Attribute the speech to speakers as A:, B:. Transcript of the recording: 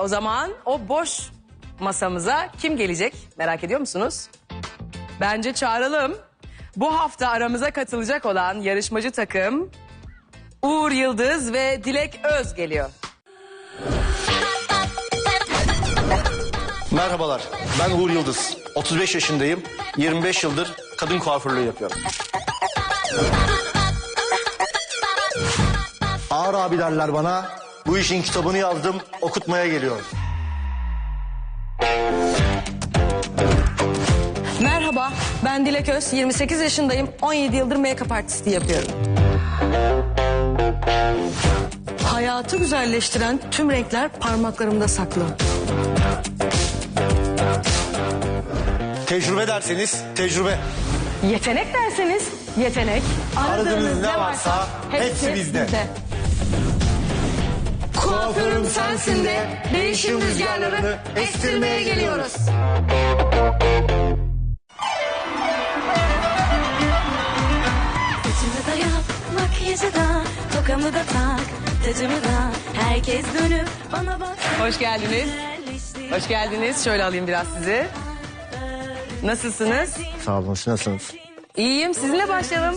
A: O zaman o boş masamıza kim gelecek merak ediyor musunuz? Bence çağıralım. Bu hafta aramıza katılacak olan yarışmacı takım Uğur Yıldız ve Dilek Öz geliyor.
B: Merhabalar, ben Uğur Yıldız. 35 yaşındayım. 25 yıldır kadın kuaförlüğü yapıyorum. Ağır abi derler bana. Bu işin kitabını yazdım, okutmaya geliyorum.
A: Merhaba, ben Dilek Öz, 28 yaşındayım, 17 yıldır make-up artisti yapıyorum. Hayatı güzelleştiren tüm renkler parmaklarımda saklı.
B: Tecrübe derseniz tecrübe.
A: Yetenek derseniz yetenek.
B: Aradığınız ne varsa hepsi bizde.
A: Kuaförüm sensin de değişim rüzgarlarını estirmeye geliyoruz.
C: Saçımı da yap, makyajı da, tokamı da tak, tacımı da. Herkes dönüp bana bak.
A: Hoş geldiniz. Hoş geldiniz. Şöyle alayım biraz sizi. Nasılsınız?
B: Sağ olun, siz nasılsınız?
A: İyiyim. Sizinle başlayalım.